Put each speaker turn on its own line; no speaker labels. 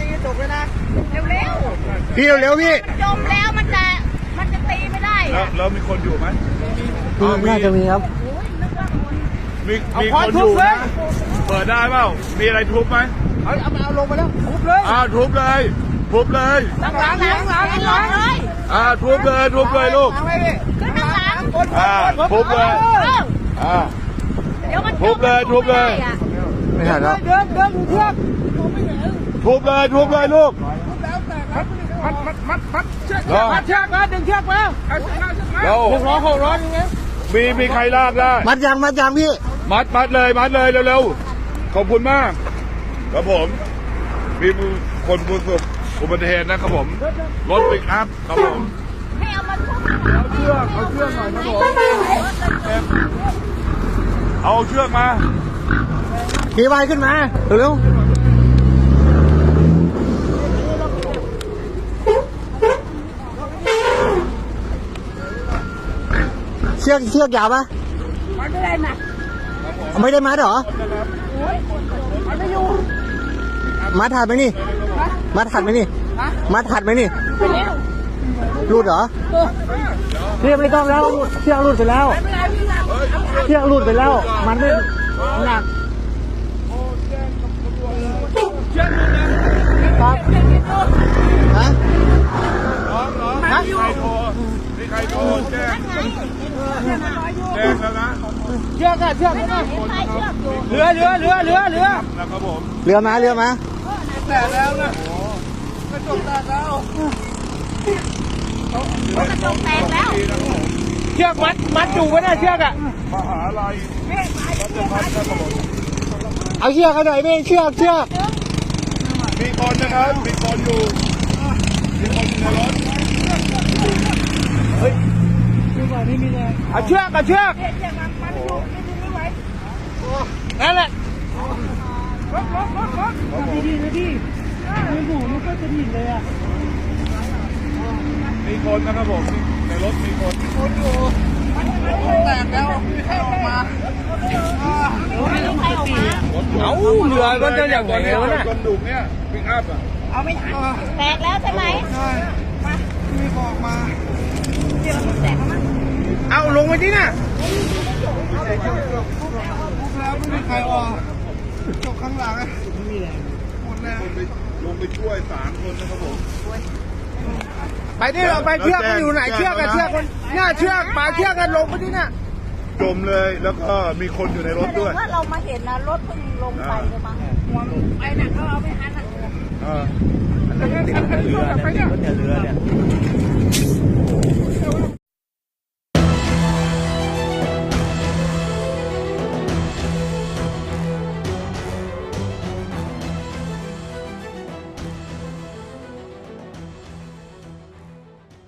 ตกเลยนะเร็ว
พี่เร็วๆพี่
จมแล้วมันจะตีไม่ได้
แล้วมีคนอยู่ไหม
น่าจะมีครับ
มีคนอยู่นะเปิดได้เปล่ามีอะไรทุบไหม
เอาลงไปแล้วทุบเลย
ทุบเลยทุบเลย
หลังเลย
ทุบเลยลูก
ขึ้นข้างหลัง
ทุบเลย
เดี๋ยวมัน
ทุบเลย
ไม่ทันแล้ว
เดินเชือก
ทุบเลยลูก
มัดเชือกมาดึงเชือกมา
เรา
600อย่างเงี้ย
มีใครลากได้
มัดยังพี่
มัดเลยเร็วๆขอบคุณมากครับผมมีคนประสบอุบัติเหตุนะครับผมรถปิกอัพครับผม
ให้เอามาทุบ
เอาเชือกหน่อยครับผมเอาเชือกมา
ขี่ไวขึ้นมาเร็วเชือกยาวปะ
ไม่ได้นะ
ไม่ได้มัดเหรอมัดถัดไหมนี่รูดเหรอเชือกไม่ต้องแล้วเชือกรูดไปแล้วมันไม่หนักครับฮะ
ใครโทรแจ้งแล้วนะ
เชือกเรือ
นะครับผม
เรือมา
แต่แล้วนะกระจกแตกแล้วเชือกมัดอยู่ไว้นะเชือกอ่ะ
มหาลัย
เอาเชือกกันหน่อยไม่เชือก
มีคนนะครับมีคนอยู่ในรถ
เอาเชือกนั่นแหละดีมือหมูมันก็จะดิ่นเลยอ่ะ
มีคนนะครับผมในรถมีคนอยู่
แตกแล้วใครออกมาเอาเรือมันจะอย่างไรวะเนี่ย
คนดุเนี่ยปิกอัพอ่ะ
เอาไม่ทันแตกแล้วใช่ไหม
มีออกมา
เดี๋ยวมันแตกมั้ง
เอาลงไปดิน่ะแล้วไม่มีใครออกจบข้างหลังไม่มีแรงหมดแล้ว
ลงไปช่วย3 คนนะครับผม
ไปดิเราไปเชือกมันอยู่ไหนเชือกมันหน้าเชือกปลาเชือกกันลงไปดิน่ะ
จมเลยแล้วก็มีคนอยู่ในรถด้วย
ถ้าเรามาเห็นนะรถเพิ่งลงไปเลยมั้งไปหนักก็เอาไม่ทันอ่ะ
เรือเนี่ย